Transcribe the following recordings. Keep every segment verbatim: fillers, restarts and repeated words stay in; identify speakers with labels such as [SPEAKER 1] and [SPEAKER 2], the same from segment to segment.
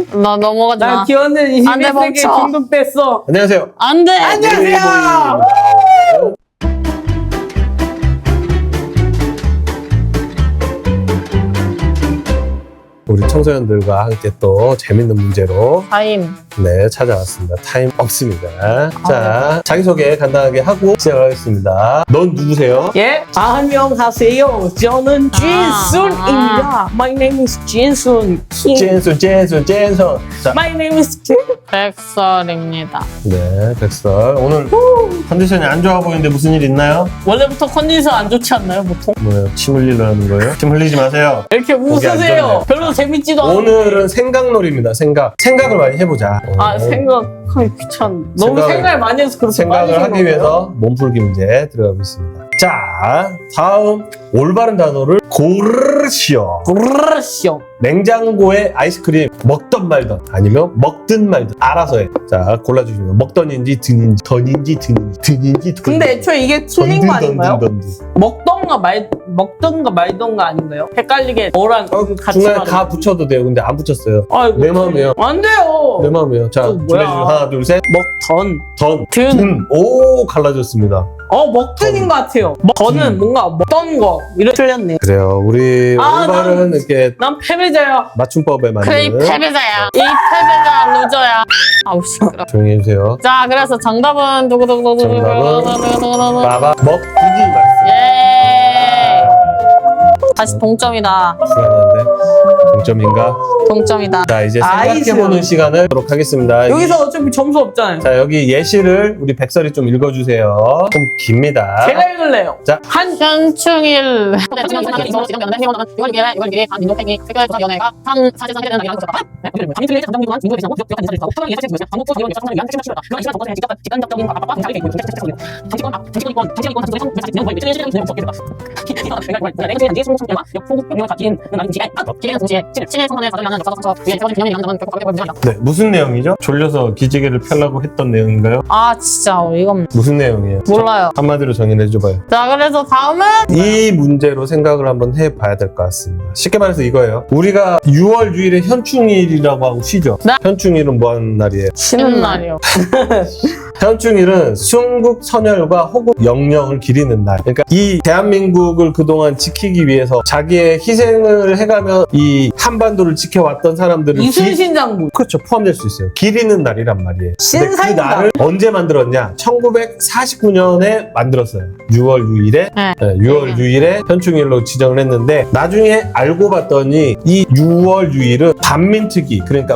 [SPEAKER 1] 나 넘어가지 마.
[SPEAKER 2] 나 기원은
[SPEAKER 1] 안 돼,
[SPEAKER 2] 이십일 세기에
[SPEAKER 1] 멈춰.
[SPEAKER 2] 중독됐어.
[SPEAKER 3] 안녕하세요.
[SPEAKER 1] 안 돼.
[SPEAKER 2] 안녕하세요.
[SPEAKER 3] 우리 청소년들과 함께 또 재밌는 문제로
[SPEAKER 1] 타임.
[SPEAKER 3] 네 찾아왔습니다. 타임 없습니다. 자, 자기소개 간단하게 하고 시작하겠습니다. 넌 누구세요?
[SPEAKER 2] 예, 안녕하세요. 저는 진순입니다. My name is 진순. 킹.
[SPEAKER 3] 젠순, 젠순, 젠순. 자,
[SPEAKER 2] My name is 진.
[SPEAKER 1] 백설입니다.
[SPEAKER 3] 네, 백설. 오늘 컨디션이 안 좋아 보이는데 무슨 일 있나요?
[SPEAKER 2] 원래부터 컨디션 안 좋지 않나요, 보통?
[SPEAKER 3] 뭐요? 침 흘리려는 거예요? 침 흘리지 마세요.
[SPEAKER 2] 이렇게
[SPEAKER 3] 안
[SPEAKER 2] 웃으세요.
[SPEAKER 3] 좋네.
[SPEAKER 2] 별로 재밌지도 않은데.
[SPEAKER 3] 오늘은 생각놀이입니다. 생각. 생각을 많이 해보자.
[SPEAKER 2] 아,
[SPEAKER 3] 어,
[SPEAKER 2] 생각하기 귀찮. 너무
[SPEAKER 3] 생각을-
[SPEAKER 2] 생각을 많이 해서 그렇게
[SPEAKER 3] 생각을
[SPEAKER 2] 빨리
[SPEAKER 3] 하기
[SPEAKER 2] 생각해요.
[SPEAKER 3] 위해서 몸풀기 문제 들어가겠습니다. 자, 다음 올바른 단어를 고르시오.
[SPEAKER 2] 그러시오.
[SPEAKER 3] 냉장고에 아이스크림 먹던 말던 아니면 먹든 말든 알아서 해. 자, 골라주시면 먹던인지 든인지 던인지 든인지 든인지 던인지.
[SPEAKER 2] 근데 애초에 이게 틀린 거 아닌가요?
[SPEAKER 3] 던든.
[SPEAKER 2] 먹던가 말 먹던가 말던가 아닌가요? 헷갈리게 뭐랑
[SPEAKER 3] 어,
[SPEAKER 2] 같이
[SPEAKER 3] 중간에
[SPEAKER 2] 말하는
[SPEAKER 3] 가 붙여도 돼요. 근데 안 붙였어요.
[SPEAKER 2] 아이고,
[SPEAKER 3] 내 마음이에요.
[SPEAKER 2] 안 돼요.
[SPEAKER 3] 내 마음이에요. 자,
[SPEAKER 2] 또 뭐야?
[SPEAKER 3] 준비해주시면 하나, 둘, 셋.
[SPEAKER 2] 먹던.
[SPEAKER 3] 던.
[SPEAKER 2] 든.
[SPEAKER 3] 든. 오, 갈라졌습니다.
[SPEAKER 2] 어, 먹던인 것 같아요. 먹- 저는 뭔가 먹던 거 이렇게 틀렸네.
[SPEAKER 3] 그래요. 우리
[SPEAKER 2] 아,
[SPEAKER 3] 올바른 이렇게
[SPEAKER 2] 난 패배자야.
[SPEAKER 3] 맞춤법에 맞는.
[SPEAKER 1] 그래, 이 패배자야. 이 패배자 루저야. 아우, 시끄러.
[SPEAKER 3] 조용히 해주세요.
[SPEAKER 1] 자, 그래서 정답은 두구두구두구.
[SPEAKER 3] 정답은 빠바 먹든지 말씀.
[SPEAKER 1] 예. 다시 동점이다.
[SPEAKER 3] 중요한데 동점인가?
[SPEAKER 1] 동점이다.
[SPEAKER 3] 자, 이제
[SPEAKER 2] 아이스.
[SPEAKER 3] 생각해보는 시간을 하도록 하겠습니다.
[SPEAKER 2] 여기서 어차피 점수 없잖아요.
[SPEAKER 3] 자, 여기 예시를 우리 백설이 좀 읽어주세요. 좀 깁니다.
[SPEAKER 2] 제가 읽을래요.
[SPEAKER 3] 자,
[SPEAKER 2] 한
[SPEAKER 1] 현충일. 위원회가 상 사실상 해야 되는 날이라는 것이다. 감인틀의 장정 동안 민주의 대상고 기업한 인사를 하고 상황이 예상되지 방법과 기업의 여성을 위한 핵심 수요다. 이런 시간 정권의 직접 직간접적인 압박과 공작이 되고 있고 정치권 정치권이권 정치권이권 정치권의 성 자식 진영 거의 매체의 시대를 진행 없겠다. 내가 내가 내가 성공 성공과 역포국 병력을 가진 나는 지혜 기회는 동시에 친일 선언에 가져가는 역사적 상처 위에 세워진 개념의 양념은 결코 가볍게 보이지 않는다.
[SPEAKER 3] 네, 무슨 내용이죠? 졸려서 기지개를 펴려고 했던 내용인가요?
[SPEAKER 1] 아, 진짜 이건
[SPEAKER 3] 무슨 내용이에요?
[SPEAKER 1] 몰라요.
[SPEAKER 3] 한마디로 정의를 해줘봐요.
[SPEAKER 1] 자, 그래서 다음은
[SPEAKER 3] 이 문제로 생각을 한번 해봐야 될 것 같습니다. 쉽게 말해서 이거예요. 우리가 유월 유일에 현충일이라고 하고 쉬죠.
[SPEAKER 1] 네.
[SPEAKER 3] 현충일은 뭐 하는 날이에요?
[SPEAKER 1] 쉬는 날이요.
[SPEAKER 3] 현충일은 순국 선열과 호국 영령을 기리는 날. 그러니까 이 대한민국을 그동안 지키기 위해서 자기의 희생을 해가며 이 한반도를 지켜왔던 사람들을
[SPEAKER 2] 이순신 장군.
[SPEAKER 3] 그렇죠. 포함될 수 있어요. 기리는 날이란 말이에요. 근데 그
[SPEAKER 2] 신사임당.
[SPEAKER 3] 날을 언제 만들었냐? 천구백사십구 년에 만들었어요. 유월 유일에
[SPEAKER 1] 네.
[SPEAKER 3] 네, 유월 유일에 현충일로 지정을 했는데 나중에 알고 봤더니 이 유월 유일은 반민특위 그러니까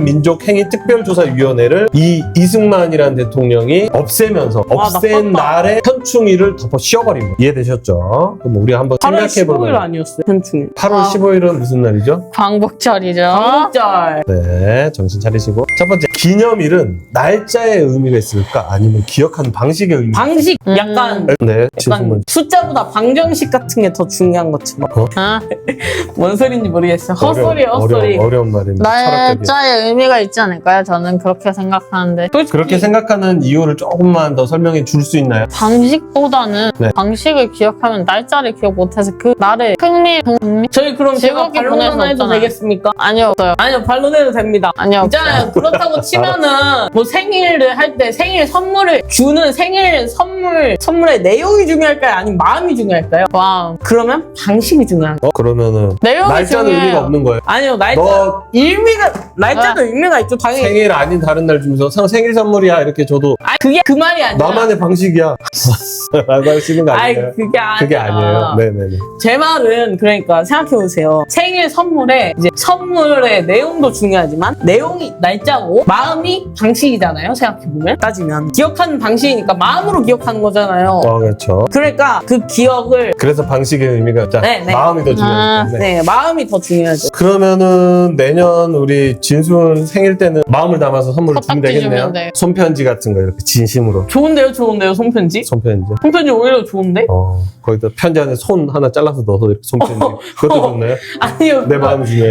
[SPEAKER 3] 반민족행위특별조사위원회를 이 이승만이라는 대통령이 없애면서
[SPEAKER 2] 와,
[SPEAKER 3] 없앤
[SPEAKER 2] 나빴다.
[SPEAKER 3] 날에 현충일을 덮어 씌워버린 거예요. 이해되셨죠? 그럼 우리가 한번
[SPEAKER 2] 팔월
[SPEAKER 3] 생각해볼
[SPEAKER 2] 십오일
[SPEAKER 3] 거예요.
[SPEAKER 2] 아니었어요? 현충일.
[SPEAKER 3] 팔월
[SPEAKER 1] 아.
[SPEAKER 3] 십오일은 무슨 날이죠?
[SPEAKER 1] 광복절이죠.
[SPEAKER 2] 광복절.
[SPEAKER 3] 네, 정신 차리시고. 첫 번째, 기념일은 날짜의 의미가 있을까? 아니면 기억하는 방식의 의미가
[SPEAKER 2] 방식
[SPEAKER 1] 음.
[SPEAKER 2] 약간
[SPEAKER 3] 네,
[SPEAKER 2] 약간
[SPEAKER 3] 진수문.
[SPEAKER 2] 숫자보다 방정식 같은 게 더 중요한 것처럼.
[SPEAKER 1] 어?
[SPEAKER 2] 뭔 소리인지 모르겠어요. 헛소리
[SPEAKER 3] 어려운,
[SPEAKER 2] 헛소리.
[SPEAKER 3] 어려운, 어려운 말입니다. 철학적이에요.
[SPEAKER 1] 날짜의 의미가 있지 않을까요? 저는 그렇게 생각하는데.
[SPEAKER 2] 솔직히
[SPEAKER 3] 그렇게 생각하는 이유를 조금만 더 설명해 줄 수 있나요?
[SPEAKER 1] 방식보다는
[SPEAKER 3] 네.
[SPEAKER 1] 방식을 기억하면 날짜를 기억 못해서 그 날의 흥미, 흥미?
[SPEAKER 2] 저희 그럼 제가
[SPEAKER 1] 즐겁게 보낼 수
[SPEAKER 2] 반론 해도
[SPEAKER 1] 없잖아요.
[SPEAKER 2] 되겠습니까?
[SPEAKER 1] 아니요, 없어요.
[SPEAKER 2] 아니요, 반론해도 됩니다.
[SPEAKER 1] 아니요,
[SPEAKER 2] 있잖아요.
[SPEAKER 1] 없어요.
[SPEAKER 2] 그렇다고 치면은 뭐 생일을 할 때 생일 선물을 주는 생일 선물 선물의 내용이 중요할까요? 아니면 마음이 중요할까요?
[SPEAKER 1] 와우.
[SPEAKER 2] 그러면 방식이 중요한 거예요.
[SPEAKER 3] 어, 그러면은
[SPEAKER 1] 내용이
[SPEAKER 3] 날짜는
[SPEAKER 1] 중요해요.
[SPEAKER 3] 의미가 없는 거예요.
[SPEAKER 2] 아니요, 날짜
[SPEAKER 3] 너
[SPEAKER 2] 의미가 날짜도 의미가 있죠. 당연히.
[SPEAKER 3] 생일 아닌 다른 날 주면서 상 생일 선물이야 이렇게 줘도
[SPEAKER 2] 아니 그게 그 말이 아니라.
[SPEAKER 3] 나만의 방식이야. 라고 할 수 있는 거
[SPEAKER 2] 아니
[SPEAKER 3] 아니에요?
[SPEAKER 2] 그게 아니라.
[SPEAKER 3] 그게 아니에요. 네네네.
[SPEAKER 2] 제 말은 그러니까 생각해보세요. 생일 선물에 이제 선물의 내용도 중요하지만 내용이 날짜고 마음이 방식이잖아요. 생각해보면 따지면 기억하는 방식이니까 마음으로 기억하는 거잖아요.
[SPEAKER 3] 어, 그렇죠.
[SPEAKER 2] 그러니까 그 기억을
[SPEAKER 3] 그래서 방식의 의미가 자,
[SPEAKER 2] 네, 네.
[SPEAKER 3] 마음이 더 중요해요. 네.
[SPEAKER 2] 네 마음이 더 중요하죠.
[SPEAKER 3] 그러면은 내년 우리 진순 생일 때는 마음을 담아서 선물을 주면
[SPEAKER 1] 코딱지
[SPEAKER 3] 되겠네요.
[SPEAKER 1] 주면 돼요.
[SPEAKER 3] 손편지 같은 거 이렇게 진심으로.
[SPEAKER 2] 좋은데요, 좋은데요, 손편지?
[SPEAKER 3] 손편지.
[SPEAKER 2] 손편지 오히려 좋은데?
[SPEAKER 3] 어, 거기다 편지 안에 손 하나 잘라서 넣어서 이렇게 손편지. 그것도 좋나요?
[SPEAKER 2] 아니요.
[SPEAKER 3] 내 마음이 중요하니까.
[SPEAKER 2] 아니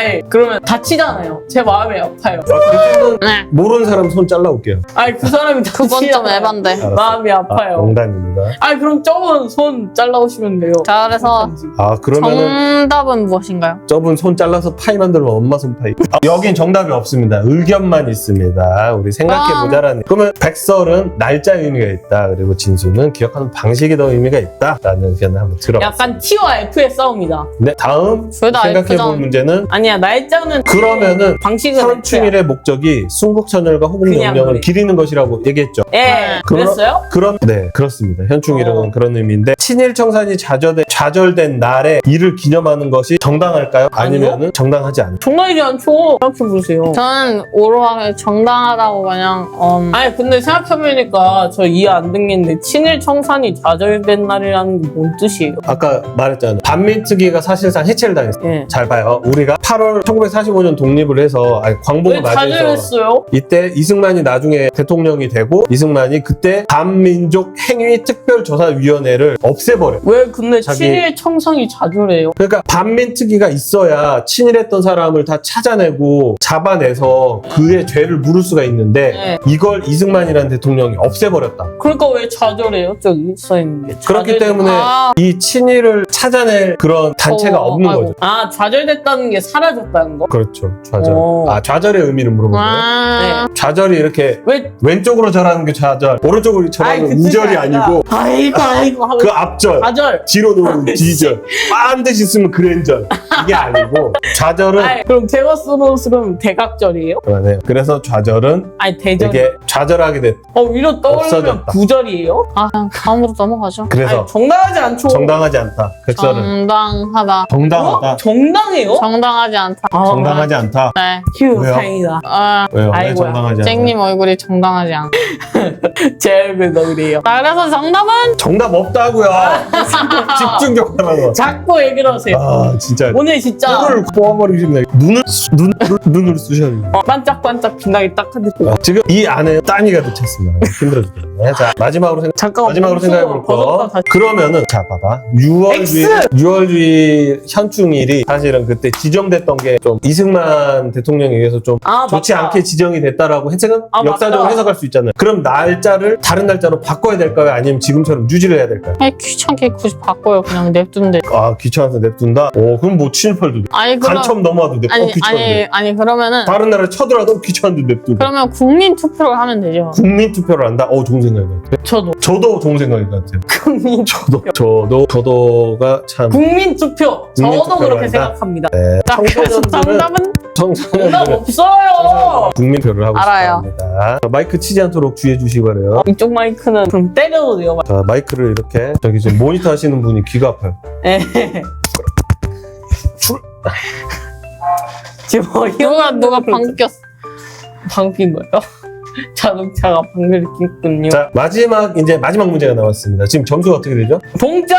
[SPEAKER 2] 아니 그러면 다치잖아요. 제 마음이 아파요.
[SPEAKER 3] 아, 그때는
[SPEAKER 1] 네.
[SPEAKER 3] 모르는 사람 손 잘라올게요.
[SPEAKER 2] 아니 그 사람이
[SPEAKER 1] 그건 좀
[SPEAKER 2] 다치잖아요.
[SPEAKER 1] 에반데.
[SPEAKER 3] 알았어.
[SPEAKER 2] 마음이 아파요.
[SPEAKER 3] 아, 농담입니다.
[SPEAKER 2] 아니 그럼 저분 손 잘라오시면 돼요.
[SPEAKER 1] 자, 그래서
[SPEAKER 3] 아 그러면은
[SPEAKER 1] 정답은 무엇인가요?
[SPEAKER 3] 저분 손 잘라서 파이 만들면 엄마 손 파이. 아, 여긴 정답이 없습니다. 의견만 있습니다. 우리 생각해보자라는. 그러면 백설은 날짜 의미가 있다. 그리고 진수는 기억하는 방식이 더 의미가 있다라는 의견을 한번 들어봤습니다.
[SPEAKER 2] 약간 T와 F의 싸움이다.
[SPEAKER 3] 네, 다음
[SPEAKER 1] 둘 다
[SPEAKER 3] 생각해볼
[SPEAKER 1] F잖아.
[SPEAKER 3] 문제는
[SPEAKER 2] 아니야 날짜는
[SPEAKER 3] 그러면은
[SPEAKER 2] 방식은 F야.
[SPEAKER 3] 현충일의 목적이 순국천열과
[SPEAKER 2] 그냥
[SPEAKER 3] 호국영령을
[SPEAKER 2] 그래.
[SPEAKER 3] 기리는 것이라고 얘기했죠.
[SPEAKER 2] 예,
[SPEAKER 3] 그럼-
[SPEAKER 2] 그랬어요?
[SPEAKER 3] 그런 네 그렇습니다. 현충일은
[SPEAKER 2] 어.
[SPEAKER 3] 그런 의미인데 친일청산이 좌절된, 좌절된 날에 이를 기념하는 것이 정당할까요? 아니면은 정당하지 않을까요?
[SPEAKER 2] 정당이지 않죠. 생각해보세요.
[SPEAKER 1] 저는 오로하게 정당하다고 그냥 음,
[SPEAKER 2] 아니 근데 생각해보니까 저 이해 안 듣겠는데 친일 청산이 좌절된 날이라는 게 뭔 뜻이에요?
[SPEAKER 3] 아까 말했잖아요. 반민특위가 사실상 해체를 당했어요.
[SPEAKER 2] 예.
[SPEAKER 3] 잘 봐요. 우리가 팔월 천구백사십오 년 독립을 해서 아니, 광복을
[SPEAKER 2] 왜
[SPEAKER 3] 맞이해서
[SPEAKER 2] 좌절했어요?
[SPEAKER 3] 이때 이승만이 나중에 대통령이 되고 이승만이 그때 반민족 행위 특별조사위원회를 없애버려.
[SPEAKER 2] 왜 근데
[SPEAKER 3] 자기-
[SPEAKER 2] 친일 청산이 좌절해요?
[SPEAKER 3] 그러니까 반민특위가 있어야 친일했던 사람을 다 찾아내고 잡아내서 그의 죄를 물을 수가 있는데
[SPEAKER 2] 네.
[SPEAKER 3] 이걸 이승만이라는 대통령이 없애버렸다.
[SPEAKER 2] 그러니까 왜 좌절해요? 저기 써있는 게.
[SPEAKER 3] 그렇기
[SPEAKER 2] 좌절-
[SPEAKER 3] 때문에
[SPEAKER 1] 아,
[SPEAKER 3] 이 친일을 찾아낼 그런 단체가
[SPEAKER 1] 어,
[SPEAKER 3] 없는
[SPEAKER 1] 아이고.
[SPEAKER 3] 거죠.
[SPEAKER 2] 아 좌절됐다는 게 사라졌다는 거?
[SPEAKER 3] 그렇죠. 좌절.
[SPEAKER 2] 오.
[SPEAKER 3] 아 좌절의 의미를 물어보는 거예요.
[SPEAKER 1] 아,
[SPEAKER 3] 좌절이 이렇게
[SPEAKER 2] 왜?
[SPEAKER 3] 왼쪽으로 절하는 게 좌절, 오른쪽으로 절하는 건
[SPEAKER 2] 뜻이
[SPEAKER 3] 우절이
[SPEAKER 2] 아니라,
[SPEAKER 3] 아니고
[SPEAKER 2] 아이고 아이고 하면
[SPEAKER 3] 그 앞절,
[SPEAKER 2] 좌절.
[SPEAKER 3] 뒤로 놓은 뒤절, 반드시 쓰면 그랜절 이게 아니고 좌절은
[SPEAKER 2] 아니, 그럼 제가 쓰는 쓰면 대각절이에요?
[SPEAKER 3] 네. 그래서 좌절은
[SPEAKER 2] 아니 대절.
[SPEAKER 3] 이게 좌절하게 됐.
[SPEAKER 2] 어 위로 떠올리면
[SPEAKER 3] 없어졌다.
[SPEAKER 2] 구절이에요?
[SPEAKER 1] 아, 그냥 다음으로 넘어가죠.
[SPEAKER 3] 그래서
[SPEAKER 2] 아니, 정당하지 않죠.
[SPEAKER 3] 정당하지 않다. 백설은
[SPEAKER 1] 정당하다.
[SPEAKER 3] 정당하다.
[SPEAKER 2] 어? 정당해요?
[SPEAKER 1] 정당하지 않다.
[SPEAKER 2] 아,
[SPEAKER 3] 정당하지 않다.
[SPEAKER 1] 네.
[SPEAKER 2] 휴
[SPEAKER 3] 왜요?
[SPEAKER 2] 다행이다.
[SPEAKER 1] 아,
[SPEAKER 3] 왜요? 왜
[SPEAKER 2] 아이고야.
[SPEAKER 3] 정당하지 않다?
[SPEAKER 1] 쨍님 얼굴이 정당하지 않다.
[SPEAKER 2] 제 얼굴도 그래요.
[SPEAKER 1] 자, 그래서 정답은
[SPEAKER 3] 정답 없다고요. 집중 좀 하라고.
[SPEAKER 2] 자꾸 얘기를 하세요.
[SPEAKER 3] 아 진짜.
[SPEAKER 2] 오늘 진짜
[SPEAKER 3] 눈을 뽑아버리고 싶네. 눈을 쑤- 눈 눈을 쑤셔야 돼.
[SPEAKER 2] 어, 반짝반짝 빛나게 딱 한대.
[SPEAKER 3] 아, 지금 이 안에 따니가 붙였습니다. 힘들어 죽겠네. 자 마지막으로 생각.
[SPEAKER 2] 잠깐
[SPEAKER 3] 마지막으로 생각해볼 거.
[SPEAKER 2] 다시.
[SPEAKER 3] 그러면은 자 봐봐. 유월주의
[SPEAKER 2] X!
[SPEAKER 3] 유월주의 현충일이 사실은 그때 지정됐던 게 좀 이승만 대통령에 의해서 좀
[SPEAKER 2] 아,
[SPEAKER 3] 좋지
[SPEAKER 2] 맞다.
[SPEAKER 3] 않게 지정이 됐다라고 해석은
[SPEAKER 2] 아,
[SPEAKER 3] 역사적으로
[SPEAKER 2] 맞다.
[SPEAKER 3] 해석할 수 있잖아요. 그럼 날짜를 다른 날짜로 바꿔야 될까요? 아니면 지금처럼 유지를 해야 될까요?
[SPEAKER 1] 아니, 귀찮게 굳이 바꿔요. 그냥 냅둔데.
[SPEAKER 3] 아 귀찮아서 냅둔다. 오 그럼 뭐 친일팔도 돼.
[SPEAKER 1] 아니, 그럼.
[SPEAKER 3] 간첩 넘어와도 냅둬.
[SPEAKER 1] 아니,
[SPEAKER 3] 귀찮은데.
[SPEAKER 1] 아니, 아니, 그러면은.
[SPEAKER 3] 다른 나라에 쳐들어도 귀찮은데 냅둔다.
[SPEAKER 1] 그러면 국민 투표를 하면 되죠.
[SPEAKER 3] 국민 투표를 한다. 어 좋은 생각인 것 같아요.
[SPEAKER 2] 저도
[SPEAKER 3] 저도 좋은 생각인 것 같아요.
[SPEAKER 2] 국민
[SPEAKER 3] 저도 저도 저도가 참.
[SPEAKER 2] 국민 투표.
[SPEAKER 3] 국민
[SPEAKER 2] 저도
[SPEAKER 3] 투표를
[SPEAKER 2] 그렇게
[SPEAKER 3] 한다?
[SPEAKER 2] 생각합니다.
[SPEAKER 3] 네.
[SPEAKER 1] 자, 그래서
[SPEAKER 3] 청소년들은
[SPEAKER 1] 정답은?
[SPEAKER 2] 정답
[SPEAKER 3] 청소년들은
[SPEAKER 2] 없어요.
[SPEAKER 3] 국민표를 하고
[SPEAKER 1] 알아요.
[SPEAKER 3] 싶습니다. 마이크 치지 않도록 주의해 주시기 바래요.
[SPEAKER 2] 이쪽 마이크는 그럼 때려도 돼요.
[SPEAKER 3] 자, 마이크를 이렇게 저기 지금 모니터 하시는 분이 귀가 아파요.
[SPEAKER 2] 예. 지금 어이없는
[SPEAKER 1] 누가, 누가 방귀 꼈어.
[SPEAKER 2] 방귀인 거예요? 자동차가 방귀를 뀌군요.
[SPEAKER 3] 자, 마지막 이제 마지막 문제가 나왔습니다. 지금 점수가 어떻게 되죠?
[SPEAKER 2] 동점!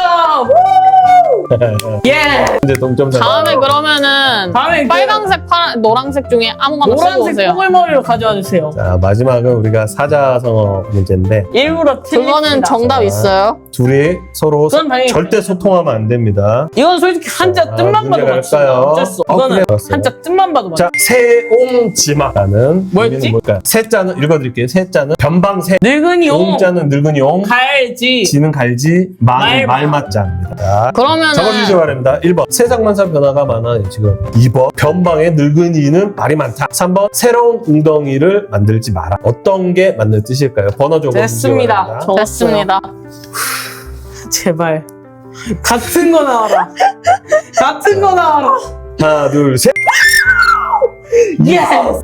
[SPEAKER 2] 예!
[SPEAKER 3] 이제 동점자.
[SPEAKER 1] 다음에 그러면은.
[SPEAKER 2] 다음에 그
[SPEAKER 1] 빨강색, 파란, 노란색 중에 아무거나 쓰고
[SPEAKER 2] 노란색
[SPEAKER 1] 오세요.
[SPEAKER 2] 뽀글머리를 가져와 주세요.
[SPEAKER 3] 자, 마지막은 우리가 사자성어 문제인데
[SPEAKER 2] 일부러 틀립니다.
[SPEAKER 1] 그거는 정답 있어요.
[SPEAKER 3] 둘이 서로
[SPEAKER 2] 그건 당연히
[SPEAKER 3] 절대 소통하면 안 됩니다.
[SPEAKER 2] 이건 솔직히 한자
[SPEAKER 3] 자,
[SPEAKER 2] 뜻만 봐도
[SPEAKER 3] 문제가
[SPEAKER 2] 맞추다.
[SPEAKER 3] 갈까요?
[SPEAKER 2] 어쩔 수.
[SPEAKER 3] 어,
[SPEAKER 2] 이거는
[SPEAKER 3] 그래, 알았어요.
[SPEAKER 2] 한자 뜻만 봐도 맞추다.
[SPEAKER 3] 자, 세옹지마라는
[SPEAKER 2] 뭐였지?
[SPEAKER 3] 의미는 뭘까요? 세자는 읽어드릴게요. 세자는 변방세,
[SPEAKER 2] 늙은이 용,
[SPEAKER 3] 용자는 늙은이 용,
[SPEAKER 2] 갈지,
[SPEAKER 3] 지는 갈지, 마는
[SPEAKER 2] 말마.
[SPEAKER 3] 말맞자입니다. 자,
[SPEAKER 1] 그러면은.
[SPEAKER 3] 적어주시기 바랍니다. 일 번 세상만사 변화가 많아 지금. 이 번 변방의 늙은이는 말이 많다. 삼 번 새로운 웅덩이를 만들지 마라. 어떤 게 맞는 뜻일까요? 번호 적어주시기
[SPEAKER 2] 됐습니다.
[SPEAKER 3] 바랍니다.
[SPEAKER 2] 적었어요.
[SPEAKER 1] 됐습니다.
[SPEAKER 2] 제발 같은 거 나와라. 같은 거 나와라.
[SPEAKER 3] 하나 둘 셋.
[SPEAKER 2] 예스.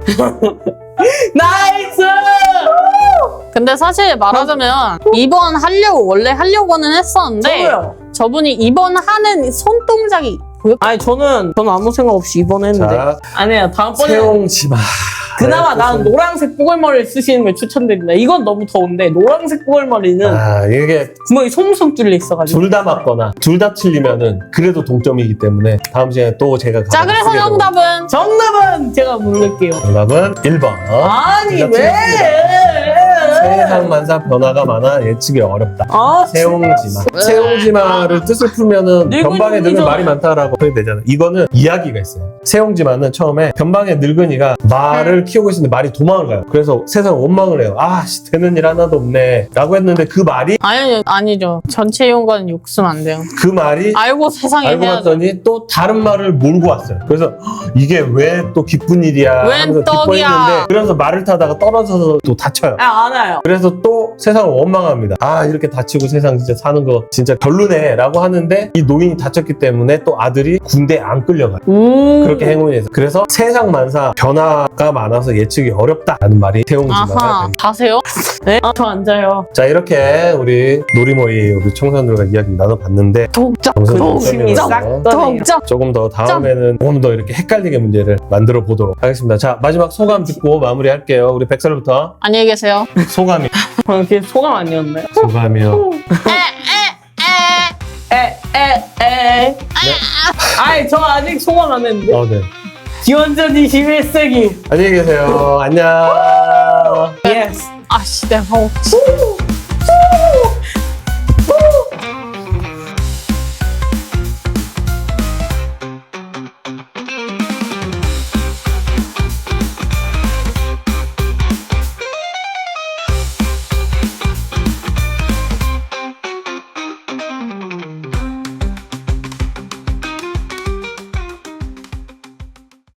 [SPEAKER 2] 나이스.
[SPEAKER 1] 근데 사실 말하자면 이번 하려고 원래 하려고는 했었는데
[SPEAKER 2] 저도요.
[SPEAKER 1] 저분이 이번 하는 손동작이 보여.
[SPEAKER 2] 아니 저는 저는 아무 생각 없이 이번 했는데.
[SPEAKER 3] 자,
[SPEAKER 2] 아니에요. 다음번에
[SPEAKER 3] 세옹지마.
[SPEAKER 2] 그나마
[SPEAKER 3] 네,
[SPEAKER 2] 나는 노란색 뽀글머리를 쓰시는 걸 추천드립니다. 이건 너무 더운데 노란색 뽀글머리는
[SPEAKER 3] 아 이게
[SPEAKER 2] 구멍이 송송 뚫려 있어가지고.
[SPEAKER 3] 둘 다 맞거나 둘 다 틀리면은 그래도 동점이기 때문에 다음 시간에 또 제가
[SPEAKER 1] 자,
[SPEAKER 3] 가장
[SPEAKER 1] 그래서
[SPEAKER 3] 크게
[SPEAKER 1] 정답은
[SPEAKER 2] 정답은 제가 부를게요.
[SPEAKER 3] 정답은 일 번.
[SPEAKER 2] 아니
[SPEAKER 3] 둘다
[SPEAKER 2] 왜?
[SPEAKER 3] 세상만사 변화가 많아 예측이 어렵다.
[SPEAKER 2] 아,
[SPEAKER 3] 세옹지마. 세옹지마를 뜻을 풀면은
[SPEAKER 2] 늙은이죠.
[SPEAKER 3] 변방에 늙은 말이 많다라고 그렇게 되잖아. 이거는 이야기가 있어요. 세옹지마는 처음에 변방에 늙은이가 말을 키우고 있었는데 말이 도망을 가요. 그래서 세상 원망을 해요. 아, 씨, 되는 일 하나도 없네. 라고 했는데 그 말이
[SPEAKER 2] 아니, 아니죠. 전체 이용과는 욕쓰면 안 돼요.
[SPEAKER 3] 그 말이
[SPEAKER 2] 알고 세상에
[SPEAKER 3] 알고
[SPEAKER 2] 해야죠.
[SPEAKER 3] 봤더니 또 다른 말을 몰고 왔어요. 그래서 "헉, 이게 왜 또 기쁜 일이야
[SPEAKER 2] 웬
[SPEAKER 3] 하면서
[SPEAKER 2] 떡이야."
[SPEAKER 3] 기뻐했는데 그래서 말을 타다가 떨어져서 또 다쳐요.
[SPEAKER 2] 아, 알아요.
[SPEAKER 3] 그래서 또 세상을 원망합니다. 아, 이렇게 다치고 세상 진짜 사는 거 진짜 별로네 라고 하는데 이 노인이 다쳤기 때문에 또 아들이 군대에 안 끌려가요.
[SPEAKER 2] 오.
[SPEAKER 3] 그렇게 행운이 돼서 그래서 세상 만사 변화가 많아서 예측이 어렵다라는 말이 세옹지마가
[SPEAKER 2] 아하.
[SPEAKER 3] 됩니다.
[SPEAKER 2] 가세요? 네? 아, 저 앉아요.
[SPEAKER 3] 자, 이렇게 우리 놀이모의 우리 청소년들과 이야기 나눠봤는데
[SPEAKER 2] 동작,
[SPEAKER 3] 점수는
[SPEAKER 2] 동심이
[SPEAKER 3] 점수는
[SPEAKER 2] 싹 떠네요.
[SPEAKER 1] 동작.
[SPEAKER 3] 조금 더 다음에는 조금 더 이렇게 헷갈리게 문제를 만들어 보도록 하겠습니다. 자, 마지막 소감 듣고 마무리할게요. 우리 백설부터
[SPEAKER 1] 안녕히 계세요.
[SPEAKER 3] 소감이
[SPEAKER 2] 어, 그게 소감 아니었나요?
[SPEAKER 3] 소감이요.
[SPEAKER 2] 에, 에, 에. 아이, 저 아직 소감 안 했는데.
[SPEAKER 3] 어, 네.
[SPEAKER 2] 기원전 이십일 세기.
[SPEAKER 3] 안녕히 계세요. 안녕.
[SPEAKER 2] 예스.
[SPEAKER 1] 아씨, 내가 먹었지.